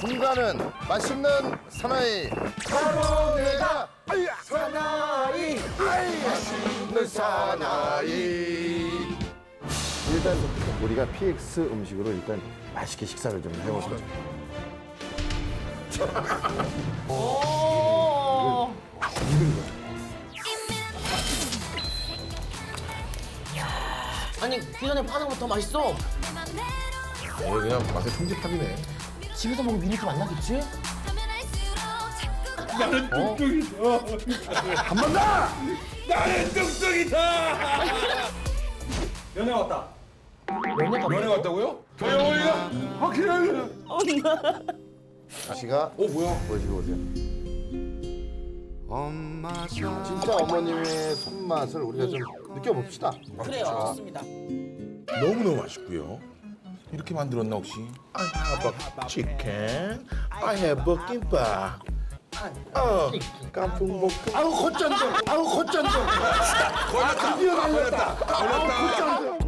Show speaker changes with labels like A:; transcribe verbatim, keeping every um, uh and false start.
A: 중간은 맛있는 사나이. 바로 내가 사나이. 맛있는 사나이. 일단 우리가 피엑스 음식으로 일단 맛있게 식사를 좀 해보자.
B: 오. 아니 그 전에 파는 거 더 맛있어.
C: 어, 그냥 맛의 총집합이네.
B: 집에서 먹으면 이렇게 맛나겠지?
D: 나는 뚱뚱이다. 한 번 더! 나는 뚱뚱이다! 연애 왔다.
B: 연애가
D: 연애 왔다고요? 도영이가 확실하게.
A: 씨가
C: 어, 뭐야?
A: 보여주고 오세요. 진짜 어머님의 손맛을 우리가 좀 느껴봅시다.
B: 그래요. 좋습니다.
C: 너무너무 맛있고요. 이렇게 만들었나 혹시? I have a chicken. I have a 김밥. 어, 깐풍볶음.
A: 아우 콧잔 좀. 아우 콧잔 좀.
C: 걸렸다. 걸렸다. 걸렸다.